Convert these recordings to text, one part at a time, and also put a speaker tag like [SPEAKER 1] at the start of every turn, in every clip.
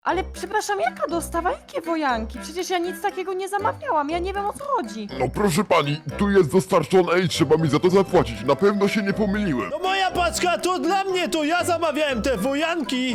[SPEAKER 1] Ale przepraszam, jaka dostawa? Jakie wojanki? Przecież ja nic takiego nie zamawiałam, ja nie wiem o co chodzi.
[SPEAKER 2] No proszę pani, tu jest dostarczone i trzeba mi za to zapłacić. Na pewno się nie pomyliłem.
[SPEAKER 3] No moja paczka, to dla mnie, to ja zamawiałem te wojanki.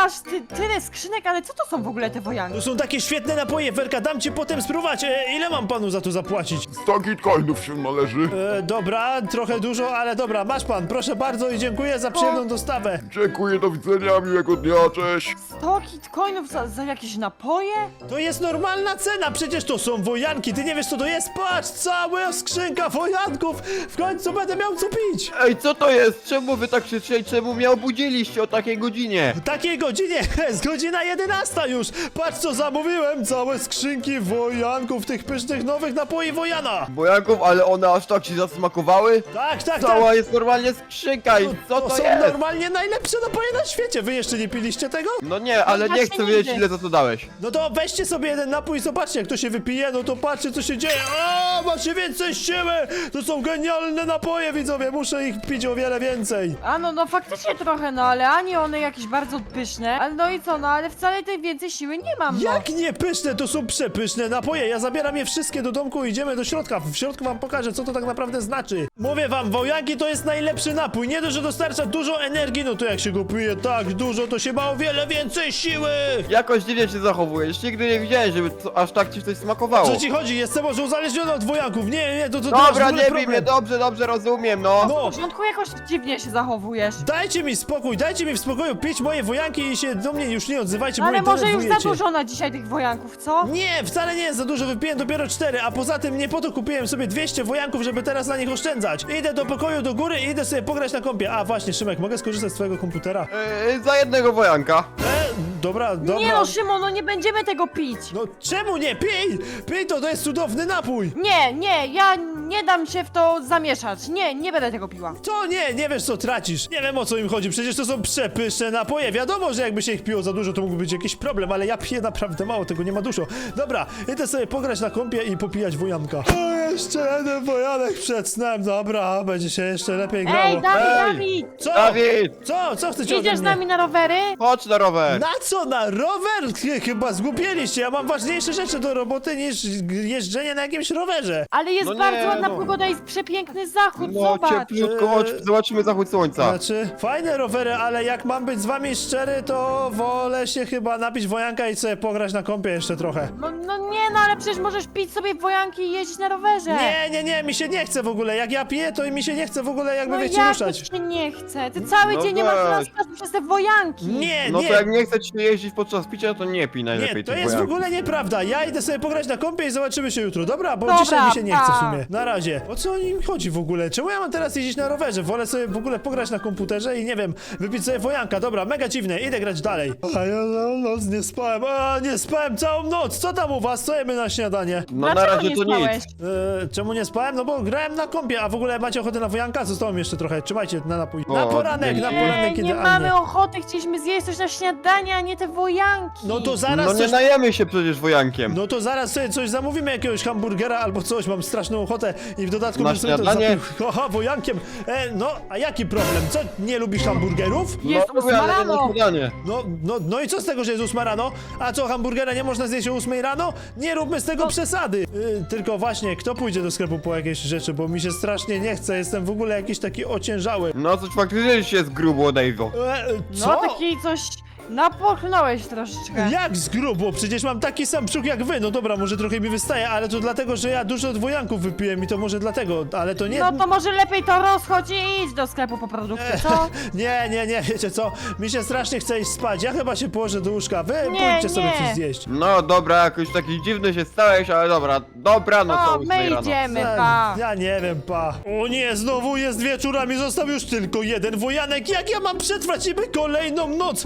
[SPEAKER 1] Tyle skrzynek, ale co to są w ogóle te wojanki?
[SPEAKER 3] To są takie świetne napoje, Werka, dam ci potem spróbować. Ile mam panu za to zapłacić?
[SPEAKER 2] 100 bitcoinów się należy.
[SPEAKER 3] Dobra, trochę dużo, ale dobra, masz pan, proszę bardzo i dziękuję za przyjemną dostawę.
[SPEAKER 2] Dziękuję, do widzenia, miłego dnia, cześć.
[SPEAKER 1] 100 bitcoinów za jakieś napoje?
[SPEAKER 3] To jest normalna cena, przecież to są wojanki, ty nie wiesz co to jest? Patrz, cała skrzynka wojanków, w końcu będę miał co pić.
[SPEAKER 4] Ej, co to jest? Czemu wy tak krzyczeli? Czemu mnie obudziliście o takiej godzinie?
[SPEAKER 3] W takiej godzinie, jest godzina 11 już, patrz co zamówiłem, całe skrzynki wojanków, tych pysznych nowych napoi wojana.
[SPEAKER 4] Bojanków, ale one aż tak ci zasmakowały?
[SPEAKER 3] Tak, tak,
[SPEAKER 4] Cała
[SPEAKER 3] tak.
[SPEAKER 4] jest normalnie skrzynka i co to
[SPEAKER 3] są
[SPEAKER 4] jest?
[SPEAKER 3] normalnie najlepsze napoje na świecie, wy jeszcze nie piliście tego?
[SPEAKER 4] No nie, ale nie
[SPEAKER 1] właśnie
[SPEAKER 4] chcę wiedzieć
[SPEAKER 1] nigdy.
[SPEAKER 4] ile za to dałeś.
[SPEAKER 3] No to weźcie sobie jeden napój i zobaczcie jak to się wypije, no to patrzcie co się dzieje. O, macie więcej siły! To są genialne napoje, widzowie, muszę ich pić o wiele więcej.
[SPEAKER 1] A no faktycznie trochę, no ale ani one jakieś bardzo pyszne, ale no i co, no ale wcale tej więcej siły nie mam, no.
[SPEAKER 3] Jak nie pyszne, to są przepyszne napoje, ja zabieram je wszystkie do domku i idziemy do środka. W środku wam pokażę co to tak naprawdę znaczy. Mówię wam, wojanki to jest najlepszy napój, nie dość, że dostarcza dużo energii, no to jak się go pije tak dużo, to się ma o wiele więcej siły.
[SPEAKER 4] Jakoś dziwnie się zachowujesz. Nigdy nie widziałem, żeby aż tak ci coś smakowało.
[SPEAKER 3] Co ci chodzi? Jestem może uzależniony od wojanków. Nie, to masz w
[SPEAKER 4] Dobra,
[SPEAKER 3] ogóle
[SPEAKER 4] nie bij
[SPEAKER 3] problem.
[SPEAKER 4] mnie, dobrze, rozumiem, no.
[SPEAKER 1] W
[SPEAKER 3] No,
[SPEAKER 1] porządku, jakoś dziwnie się zachowujesz.
[SPEAKER 3] dajcie mi spokój, dajcie mi w spokoju pić moje wojanki i się do mnie już nie odzywajcie, bo
[SPEAKER 1] Ale
[SPEAKER 3] mnie
[SPEAKER 1] może już za
[SPEAKER 3] denerwujecie.
[SPEAKER 1] dużo na dzisiaj tych wojanków, co?
[SPEAKER 3] Nie, wcale nie jest za dużo, wypiłem dopiero 4, a poza tym nie po to kupiłem sobie 200 wojanków, żeby teraz na nich oszczędzać. Idę do pokoju do góry i idę sobie pograć na kompie. A właśnie, Szymek, mogę skorzystać z twojego komputera?
[SPEAKER 4] Za jednego wojanka.
[SPEAKER 3] Dobra.
[SPEAKER 1] Nie no, Szymon, no nie będziemy tego pić.
[SPEAKER 3] No czemu nie? Pij! Pij to jest cudowny napój!
[SPEAKER 1] Nie, ja nie dam się w to zamieszać. Nie będę tego piła.
[SPEAKER 3] To nie wiesz co tracisz. Nie wiem o co im chodzi, przecież to są przepyszne napoje. Wiadomo, że jakby się ich piło za dużo, to mógłby być jakiś problem, ale ja piję naprawdę mało, tego nie ma dużo. Dobra, idę sobie pograć na kompie i popijać wojanka. O, jeszcze jeden wojanek przed snem, dobra, będzie się jeszcze lepiej grało.
[SPEAKER 1] Ej, Dawid,
[SPEAKER 4] Ej!
[SPEAKER 1] Dawid!
[SPEAKER 3] Co?
[SPEAKER 4] Dawid!
[SPEAKER 3] Co chcecie ode
[SPEAKER 1] Idziesz z
[SPEAKER 3] mnie?
[SPEAKER 1] nami na rowery?
[SPEAKER 4] Chodź na rower.
[SPEAKER 3] Na co? Na rower? Chyba zgłupieliście, ja mam ważniejsze rzeczy do roboty niż jeżdżenie na jakimś rowerze.
[SPEAKER 1] Ale jest
[SPEAKER 4] No nie,
[SPEAKER 1] bardzo ładna
[SPEAKER 4] no.
[SPEAKER 1] pogoda, jest przepiękny zachód,
[SPEAKER 4] No
[SPEAKER 1] zobacz.
[SPEAKER 4] cieplutko, chodź, zobaczymy zachód słońca.
[SPEAKER 3] Znaczy, fajne rowery, ale jak mam być z wami szczery, to wolę się chyba napić wojanka i sobie pograć na kompie jeszcze trochę.
[SPEAKER 1] No nie, no ale przecież możesz pić sobie wojanki i jeździć na rowerze.
[SPEAKER 3] Nie, mi się nie chce w ogóle. Jak ja piję, to mi się nie chce w ogóle jakby
[SPEAKER 1] No
[SPEAKER 3] wiecie
[SPEAKER 1] jak
[SPEAKER 3] ruszać.
[SPEAKER 1] to ci się nie chce? Ty cały
[SPEAKER 4] No
[SPEAKER 1] dzień nie masz
[SPEAKER 4] weź.
[SPEAKER 1] nas przez te wojanki.
[SPEAKER 3] Nie,
[SPEAKER 4] No to jak nie chcesz się jeździć podczas picia, to nie pij najlepiej
[SPEAKER 3] Nie, to
[SPEAKER 4] tych
[SPEAKER 3] jest w
[SPEAKER 4] wojanków.
[SPEAKER 3] ogóle nieprawda. Ja idę sobie pograć na kompie i zobaczymy się jutro, dobra? Bo
[SPEAKER 1] Dobra,
[SPEAKER 3] dzisiaj mi się nie chce w
[SPEAKER 1] pa.
[SPEAKER 3] sumie. Na razie. O co im chodzi w ogóle? Czemu ja mam teraz jeździć na rowerze? Wolę sobie w ogóle pograć na komputerze i nie wiem, wypić sobie wojanka. Dobra, mega dziwne, idę grać dalej. A ja całą noc nie spałem. Nie spałem całą noc. Co tam u was? Co jemy na śniadanie?
[SPEAKER 4] No na
[SPEAKER 1] Dlaczego
[SPEAKER 4] razie
[SPEAKER 1] nie
[SPEAKER 4] to
[SPEAKER 1] spałeś?
[SPEAKER 4] nic.
[SPEAKER 3] Czemu nie spałem? No bo grałem na kompie, a w ogóle macie ochotę na wojanka? Zostało mi jeszcze trochę. Trzymajcie na napój. Na
[SPEAKER 4] O,
[SPEAKER 3] poranek,
[SPEAKER 4] dzięki.
[SPEAKER 3] na poranek
[SPEAKER 1] Nie
[SPEAKER 3] idealnie.
[SPEAKER 1] mamy ochoty, chcieliśmy zjeść coś na śniadanie, a nie te wojanki.
[SPEAKER 3] No to zaraz
[SPEAKER 4] No nie
[SPEAKER 3] coś...
[SPEAKER 4] najemy się przecież wojankiem.
[SPEAKER 3] No to zaraz sobie coś zamówimy, jakiegoś hamburgera albo coś, mam straszną ochotę i w dodatku
[SPEAKER 4] Na
[SPEAKER 3] bym sobie to
[SPEAKER 4] śniadanie?
[SPEAKER 3] zapił. Aha, wojankiem. No, a jaki problem? Co, nie lubisz hamburgerów?
[SPEAKER 1] Jest
[SPEAKER 4] no,
[SPEAKER 1] 8
[SPEAKER 4] ale nie
[SPEAKER 1] rano.
[SPEAKER 4] na śniadanie.
[SPEAKER 3] No i co z tego, że jest 8 rano? A co, hamburgera nie można zjeść o 8 rano? Nie róbmy z tego przesady. Tylko właśnie, kto pójdzie do sklepu po jakieś rzeczy, bo mi się strasznie nie chce, jestem w ogóle jakiś taki ociężały.
[SPEAKER 4] No coś faktycznie się jest grubo, Dave'o.
[SPEAKER 3] Co?
[SPEAKER 1] No taki coś napochnąłeś troszeczkę.
[SPEAKER 3] Jak z grubo? Przecież mam taki sam brzuch jak wy. No dobra, może trochę mi wystaje, ale to dlatego, że ja dużo dwojanków wypiłem i to może dlatego, ale to nie...
[SPEAKER 1] No to może lepiej to rozchodź i idź do sklepu po produkty, co?
[SPEAKER 3] Nie, wiecie co? Mi się strasznie chce iść spać. Ja chyba się położę do łóżka. Wy
[SPEAKER 1] Nie,
[SPEAKER 3] pójdźcie sobie
[SPEAKER 1] nie.
[SPEAKER 3] coś zjeść.
[SPEAKER 4] No dobra, jakoś taki dziwny się stałeś, ale dobra. Dobranoc o
[SPEAKER 1] No,
[SPEAKER 4] 8
[SPEAKER 1] my
[SPEAKER 4] rano.
[SPEAKER 1] idziemy, pa.
[SPEAKER 3] Ja nie wiem, pa. O nie, znowu jest wieczór, a mi został już tylko jeden wojanek. Jak ja mam przetrwać niby kolejną noc?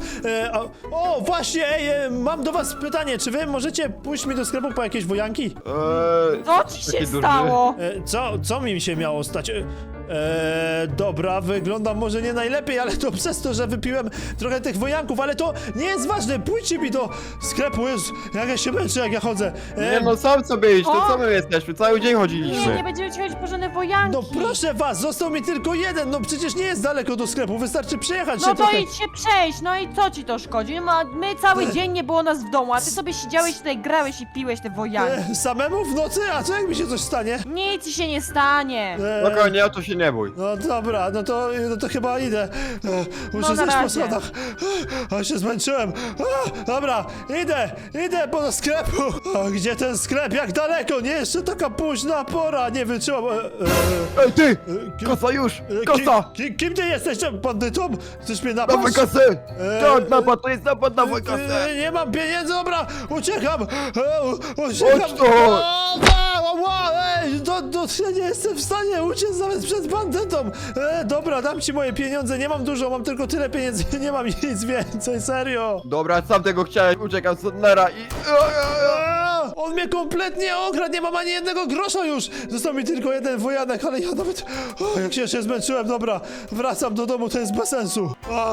[SPEAKER 3] Właśnie, mam do was pytanie. Czy wy możecie pójść mi do sklepu po jakieś wojanki?
[SPEAKER 1] Co ci się
[SPEAKER 4] taki duży.
[SPEAKER 1] stało?
[SPEAKER 3] Co mi się miało stać? Dobra, wyglądam może nie najlepiej, ale to przez to, że wypiłem trochę tych wojanków, ale to nie jest ważne. Pójdźcie mi do sklepu, jest, jak ja się męczę, jak ja chodzę.
[SPEAKER 4] Nie no, sam sobie iść, to
[SPEAKER 1] O!
[SPEAKER 4] co my jesteśmy? Cały dzień
[SPEAKER 1] Nie,
[SPEAKER 4] chodziliśmy.
[SPEAKER 1] nie będziemy ci chodzić po żadne wojanki.
[SPEAKER 3] No proszę was, został mi tylko jeden, no przecież nie jest daleko do sklepu, wystarczy przejechać
[SPEAKER 1] No
[SPEAKER 3] się
[SPEAKER 1] to
[SPEAKER 3] trochę.
[SPEAKER 1] idź się przejść, no i co ci to szkodzi? No, my cały dzień nie było nas w domu, a ty sobie siedziałeś tutaj, grałeś i piłeś te wojanki.
[SPEAKER 3] Samemu w nocy? A co jak mi się coś stanie?
[SPEAKER 1] Nic ci się nie stanie.
[SPEAKER 4] Spokojnie, o to się nie bój.
[SPEAKER 3] No dobra, no to chyba idę. Muszę
[SPEAKER 1] No, na
[SPEAKER 3] zejść po
[SPEAKER 1] razie.
[SPEAKER 3] schodach. A się zmęczyłem. Dobra, idę po do sklepu. A gdzie ten sklep? Jak daleko? Nie, jeszcze taka późna pora. Nie wytrzymam.
[SPEAKER 4] Ej ty!
[SPEAKER 3] kim-
[SPEAKER 4] Kosa już!
[SPEAKER 3] Kim,
[SPEAKER 4] Kosa!
[SPEAKER 3] kim ty jesteś? Bandytą? Chcesz mnie napaść?
[SPEAKER 4] Dawaj kasę! Tak, napad, to jest napad, dawaj kasę!
[SPEAKER 3] Nie mam pieniędzy, dobra, uciekam! Uciekam!
[SPEAKER 4] Chodź tu!
[SPEAKER 3] Ej, ja nie jestem w stanie uciec nawet przed bandytą! Dobra, dam ci moje pieniądze, nie mam dużo, mam tylko tyle pieniędzy, nie mam nic więcej, serio!
[SPEAKER 4] Dobra, sam tego chciałem, uciekam z Sodnera i...
[SPEAKER 3] On mnie kompletnie okradł, nie mam ani jednego grosza już! Został mi tylko jeden wojanek, ale ja nawet... jak się zmęczyłem, dobra, wracam do domu, to jest bez sensu.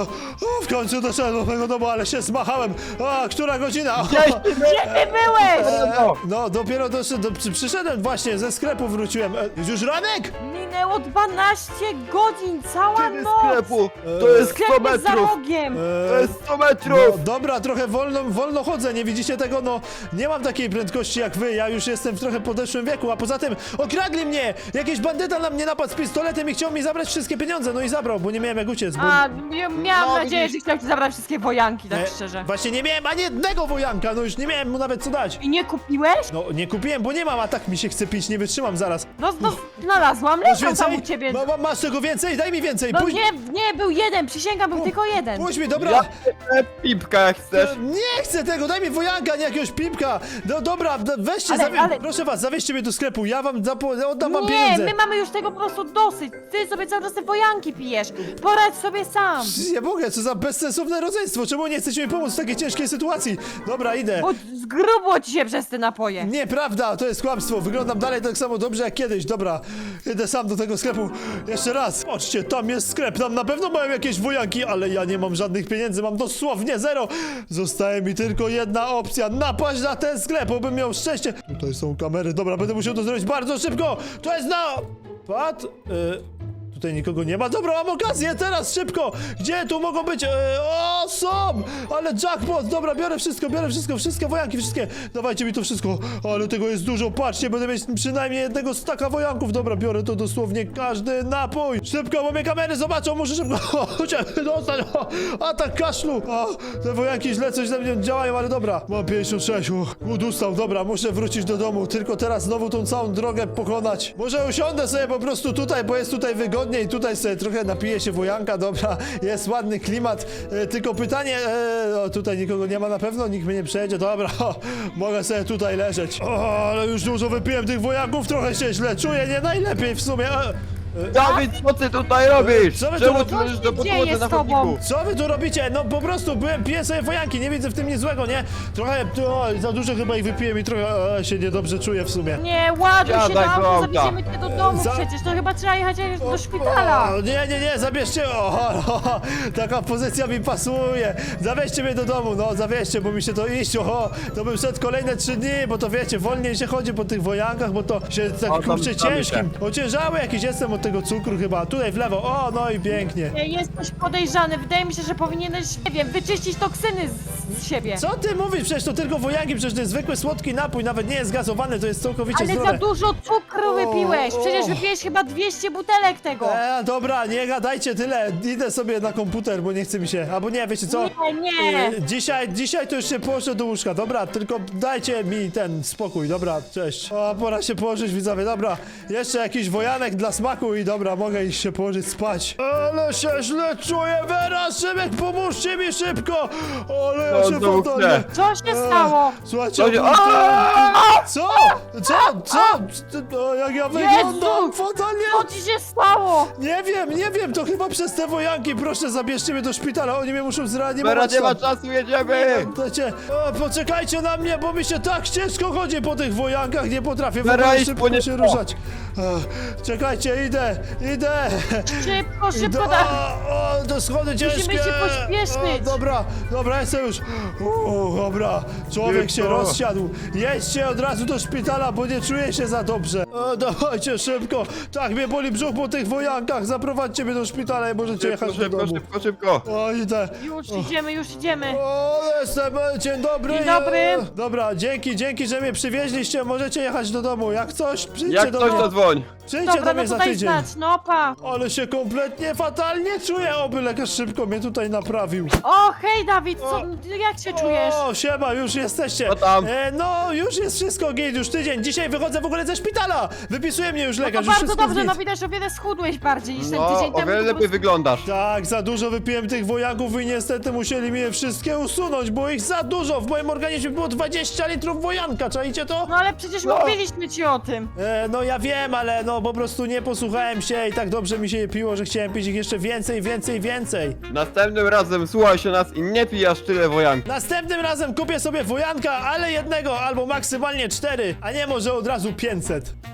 [SPEAKER 3] W końcu doszedłem do mojego domu, ale się zmachałem. Która godzina?
[SPEAKER 4] Gdzieś ty
[SPEAKER 1] Gdzie ty byłeś?
[SPEAKER 3] No, dopiero przyszedłem właśnie, ze sklepu wróciłem. Już ranek?
[SPEAKER 1] Minęło 12 godzin, cała
[SPEAKER 4] do
[SPEAKER 1] noc.
[SPEAKER 4] sklepu! To jest 100
[SPEAKER 1] Sklep jest za
[SPEAKER 4] metrów!
[SPEAKER 1] rogiem.
[SPEAKER 4] To jest 100 metrów!
[SPEAKER 3] No, dobra, trochę wolno chodzę, nie widzicie tego? No, nie mam takiej prędkości jak wy, ja już jestem w trochę podeszłym wieku, a poza tym okradli mnie! Jakiś bandyta na mnie napadł z pistoletem i chciał mi zabrać wszystkie pieniądze, no i zabrał, bo nie miałem jak uciec, bo...
[SPEAKER 1] A, miałam
[SPEAKER 4] No,
[SPEAKER 1] nadzieję,
[SPEAKER 4] widzisz.
[SPEAKER 1] że chciał ci zabrać wszystkie wojanki, tak szczerze.
[SPEAKER 3] Właśnie nie miałem ani jednego wojanka, no już nie miałem mu nawet co dać.
[SPEAKER 1] I nie kupiłeś?
[SPEAKER 3] No, nie kupiłem, bo nie mam, a tak mi się chce pić, nie wytrzymam zaraz.
[SPEAKER 1] No, znalazłam,
[SPEAKER 3] Masz
[SPEAKER 1] leżał tam u
[SPEAKER 3] więcej?
[SPEAKER 1] ciebie.
[SPEAKER 3] Masz tego więcej? Daj mi więcej,
[SPEAKER 1] No
[SPEAKER 3] pójdź,
[SPEAKER 1] nie, był jeden, przysięgam, był tylko jeden.
[SPEAKER 3] pójdź mi, dobra.
[SPEAKER 4] Ja chcę pipka, jak chcesz.
[SPEAKER 3] Nie chcę tego, daj mi wojanka, nie jakiegoś pipka. No dobra, weźcie,
[SPEAKER 1] Ale-
[SPEAKER 3] proszę was, zawieźcie mnie do sklepu, ja wam oddam wam
[SPEAKER 1] Nie,
[SPEAKER 3] pieniądze.
[SPEAKER 1] my mamy już tego po prostu dosyć. Ty sobie cały czas te wojanki pijesz. Poradź sobie sam.
[SPEAKER 3] Nie mogę, co za bezsensowne rodzeństwo, czemu nie chcecie mi pomóc w takiej ciężkiej sytuacji? Dobra, idę.
[SPEAKER 1] Bo zgrubło ci się przez te napoje.
[SPEAKER 3] Nieprawda, to jest kłamstwo, wyglądam dalej tak samo dobrze jak kiedyś, dobra. Idę sam do tego sklepu, jeszcze raz. Patrzcie, tam jest sklep, tam na pewno mają jakieś wojanki, ale ja nie mam żadnych pieniędzy, mam dosłownie zero. Zostaje mi tylko jedna opcja, napaść na ten sklep, obym miał szczęście. Tutaj są kamery, dobra, będę musiał to zrobić bardzo szybko. To jest napad. Tutaj nikogo nie ma. Dobra, mam okazję, teraz szybko! Gdzie tu mogą być? O, są! Ale jackpot! Dobra, biorę wszystkie wojanki, wszystkie. Dawajcie mi to wszystko. Ale tego jest dużo, patrzcie, będę mieć przynajmniej jednego staka wojanków. Dobra, biorę to dosłownie każdy napój. Szybko, bo mnie kamery zobaczą, muszę szybko dostać. Atak kaszlu. Te wojanki źle coś ze mnie działają, ale dobra. Mam 56. Udustał, dobra, muszę wrócić do domu. Tylko teraz znowu tą całą drogę pokonać. Może usiądę sobie po prostu tutaj, bo jest tutaj wygodnie i tutaj sobie trochę napiję się wojanka, dobra, jest ładny klimat, tylko pytanie, tutaj nikogo nie ma na pewno, nikt mnie nie przejedzie, dobra, mogę sobie tutaj leżeć. Ale już dużo wypiłem tych wojanków, trochę się źle czuję, nie najlepiej w sumie.
[SPEAKER 4] Dawid, co ty tutaj robisz?
[SPEAKER 3] Co wy tu
[SPEAKER 4] Czemu
[SPEAKER 3] robicie?
[SPEAKER 4] ty leżysz do
[SPEAKER 1] Co się dzieje
[SPEAKER 4] podłodze na
[SPEAKER 1] z tobą?
[SPEAKER 4] chodniku?
[SPEAKER 3] Co wy tu robicie? No po prostu piję sobie wojanki, nie widzę w tym nic złego, nie? Trochę, za dużo chyba ich wypiłem i trochę się niedobrze czuję w sumie.
[SPEAKER 1] Nie, ładuj się
[SPEAKER 4] Siadaj
[SPEAKER 1] do
[SPEAKER 4] do
[SPEAKER 1] auta,
[SPEAKER 4] auta.
[SPEAKER 1] zawieziemy cię do domu przecież. To chyba trzeba jechać do szpitala.
[SPEAKER 3] Nie, zabierzcie, taka pozycja mi pasuje. Zawieźcie mnie do domu, no zawieźcie, bo mi się to iść, to bym szedł kolejne 3 dni, bo to wiecie, wolniej się chodzi po tych wojankach, bo to się tak
[SPEAKER 4] O, tam
[SPEAKER 3] kurczę
[SPEAKER 4] zgadzamy
[SPEAKER 3] ciężkim. Ociężały jakiś jestem od tego cukru chyba, tutaj w lewo, no i pięknie.
[SPEAKER 1] Nie, jesteś podejrzany. Wydaje mi się, że powinieneś, nie wiem, wyczyścić toksyny z siebie.
[SPEAKER 3] Co ty mówisz? Przecież to tylko wojanki, przecież to jest zwykły słodki napój, nawet nie jest gazowany, to jest całkowicie
[SPEAKER 1] Ale
[SPEAKER 3] zdrowe.
[SPEAKER 1] za dużo cukru wypiłeś. Przecież wypiłeś chyba 200 butelek tego.
[SPEAKER 3] Dobra, nie gadajcie tyle, idę sobie na komputer, bo nie chce mi się, albo nie, wiecie co?
[SPEAKER 1] Nie.
[SPEAKER 3] Dzisiaj to już się położę do łóżka, dobra, tylko dajcie mi ten spokój, dobra, cześć. Pora się położyć, widzowie, dobra, jeszcze jakiś wojanek dla smaku i dobra, mogę iść się położyć spać. Ale się źle czuję, Vera, Szymek, pomóżcie mi szybko! Ale ja
[SPEAKER 4] No,
[SPEAKER 3] się
[SPEAKER 4] znowu
[SPEAKER 3] fatalnie...
[SPEAKER 4] chcę.
[SPEAKER 1] Co się stało?
[SPEAKER 3] Słuchajcie,
[SPEAKER 4] Co się-
[SPEAKER 3] Co? Jak ja wyglądam fatalnie?
[SPEAKER 1] Co ci się stało?
[SPEAKER 3] Nie wiem, to chyba przez te wojanki, proszę zabierzcie mnie do szpitala, oni mnie muszą
[SPEAKER 4] Teraz
[SPEAKER 3] zreanimować
[SPEAKER 4] nie ma
[SPEAKER 3] tam.
[SPEAKER 4] czasu, jedziemy!
[SPEAKER 3] Słuchajcie, poczekajcie na mnie, bo mi się tak ciężko chodzi po tych wojankach, nie potrafię w
[SPEAKER 4] Vera,
[SPEAKER 3] ogóle
[SPEAKER 4] idź po
[SPEAKER 3] szybko
[SPEAKER 4] nie-
[SPEAKER 3] się ruszać. Czekajcie, idę, Idę!
[SPEAKER 1] Szybko,
[SPEAKER 3] Idę!
[SPEAKER 1] szybko, tak.
[SPEAKER 3] O, to schody ciężkie!
[SPEAKER 1] Musimy się pośpieszyć.
[SPEAKER 3] O, dobra, jestem już. Dobra, człowiek się
[SPEAKER 2] Szybko.
[SPEAKER 3] rozsiadł. Jedźcie od razu do szpitala, bo nie czuję się za dobrze. Dawajcie szybko. Tak, mnie boli brzuch po tych wojankach. Zaprowadźcie mnie do szpitala i możecie
[SPEAKER 4] Szybko,
[SPEAKER 3] jechać do
[SPEAKER 4] szybko,
[SPEAKER 3] domu.
[SPEAKER 4] szybko.
[SPEAKER 3] O, idę.
[SPEAKER 1] Już idziemy.
[SPEAKER 3] O, jestem, dzień dobry.
[SPEAKER 1] Dzień dobry.
[SPEAKER 3] Dobra, dzięki, że mnie przywieźliście. Możecie jechać do domu. Jak coś, przyjdźcie
[SPEAKER 4] Jak
[SPEAKER 3] do
[SPEAKER 4] coś
[SPEAKER 3] mnie.
[SPEAKER 4] to dzwoń.
[SPEAKER 3] Przyjdźcie
[SPEAKER 1] Dobra,
[SPEAKER 3] do
[SPEAKER 1] no
[SPEAKER 3] mnie za
[SPEAKER 1] tutaj
[SPEAKER 3] tydzień.
[SPEAKER 1] znać, no pa.
[SPEAKER 3] Ale się kompletnie fatalnie czuję. Oby lekarz szybko mnie tutaj naprawił.
[SPEAKER 1] O, hej Dawid, jak się czujesz?
[SPEAKER 3] O, siema, już jesteście.
[SPEAKER 4] Co tam?
[SPEAKER 3] No, już jest wszystko git, już tydzień. Dzisiaj wychodzę w ogóle ze szpitala. Wypisuje mnie już
[SPEAKER 1] No to
[SPEAKER 3] lekarz, już
[SPEAKER 1] bardzo
[SPEAKER 3] wszystko
[SPEAKER 1] dobrze,
[SPEAKER 3] git.
[SPEAKER 1] no widać, że o wiele schudłeś bardziej niż ten
[SPEAKER 4] No,
[SPEAKER 1] tydzień
[SPEAKER 4] o
[SPEAKER 1] temu.
[SPEAKER 4] wiele
[SPEAKER 1] to po
[SPEAKER 4] lepiej
[SPEAKER 1] prostu-
[SPEAKER 4] wyglądasz.
[SPEAKER 3] Tak, za dużo wypiłem tych wojaków i niestety musieli mnie wszystkie usunąć, było ich za dużo. W moim organizmie było 20 litrów wojanka, czajcie to?
[SPEAKER 1] No ale przecież
[SPEAKER 4] No.
[SPEAKER 1] mówiliśmy ci o tym.
[SPEAKER 3] No ja wiem, ale no po prostu nie posłuchałem się i tak dobrze mi się je piło, że chciałem pić ich jeszcze więcej.
[SPEAKER 4] Następnym razem słuchaj się nas i nie pij aż tyle wojanki.
[SPEAKER 3] Następnym razem kupię sobie wojanka, ale jednego albo maksymalnie 4, a nie może od razu 500.